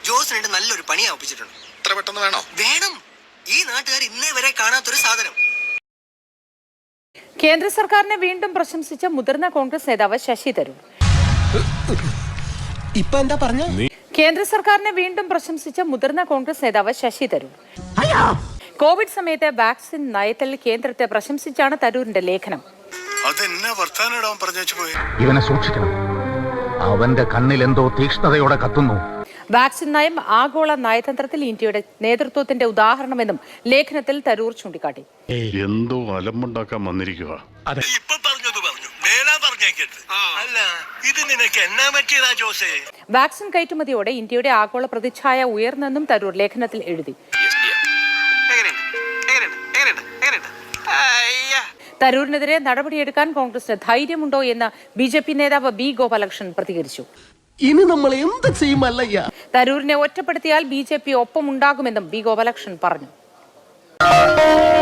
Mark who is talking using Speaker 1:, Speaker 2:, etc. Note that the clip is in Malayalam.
Speaker 1: ജോസിനായിട്ട് നല്ലൊരു പണി ആപ്പിച്ചിട്ടുണ്ട്.
Speaker 2: ഇത്ര പെട്ടെന്ന് വേണോ?
Speaker 1: വേണം. ഈ നാട്ടുകാർ ഇന്നേ വരെ കാണാത്തൊരു സാധനം.
Speaker 3: കേന്ദ്ര സർക്കാരിനെ വീണ്ടും പ്രശംസിച്ച മുതിർന്ന കോൺഗ്രസ് നേതാവ് ശശി തരൂർ.
Speaker 4: ഇപ്പൊ എന്താ പറഞ്ഞ?
Speaker 3: കേന്ദ്ര സർക്കാരിനെ വീണ്ടും പ്രശംസിച്ച മുതിർന്ന കോൺഗ്രസ് നേതാവ് ശശി തരൂർ. കോവിഡ് സമയത്ത് വാക്സിൻ നയത്തിൽ കേന്ദ്രത്തെ പ്രശംസിച്ചാണ് തരൂരിന്റെ ലേഖനം.
Speaker 5: ഇവനെ സൂക്ഷിക്കണം, അവന്റെ കണ്ണിൽ എന്തോ തീക്ഷ്ണതയോടെ കത്തുന്നു.
Speaker 3: വാക്സിൻ നയം ആഗോള നയതന്ത്രത്തിൽ ഇന്ത്യയുടെ നേതൃത്വത്തിന്റെ ഉദാഹരണമെന്നും ലേഖനത്തിൽ തരൂർ ചൂണ്ടിക്കാട്ടി.
Speaker 6: എന്തോ അലമ്പുണ്ടാക്കാൻ വന്നിരിക്കുക.
Speaker 3: വാക്സിൻ കയറ്റുമതിയോടെ ഇന്ത്യയുടെ ആഗോള പ്രതിച്ഛായ ഉയർന്നെന്നും തരൂർ ലേഖനത്തിൽ എഴുതി. തരൂരിനെതിരെ നടപടിയെടുക്കാൻ കോൺഗ്രസിന് ധൈര്യമുണ്ടോ എന്ന് BJP നേതാവ് B. ഗോപാലകൃഷ്ണൻ പ്രതികരിച്ചു.
Speaker 4: ഇനി നമ്മൾ എന്ത് ചെയ്യുമല്ലയ്യ?
Speaker 3: തരൂരിനെ ഒറ്റപ്പെടുത്തിയാൽ BJP ഒപ്പമുണ്ടാകുമെന്നും B. ഗോപാലകൃഷ്ണൻ പറഞ്ഞു.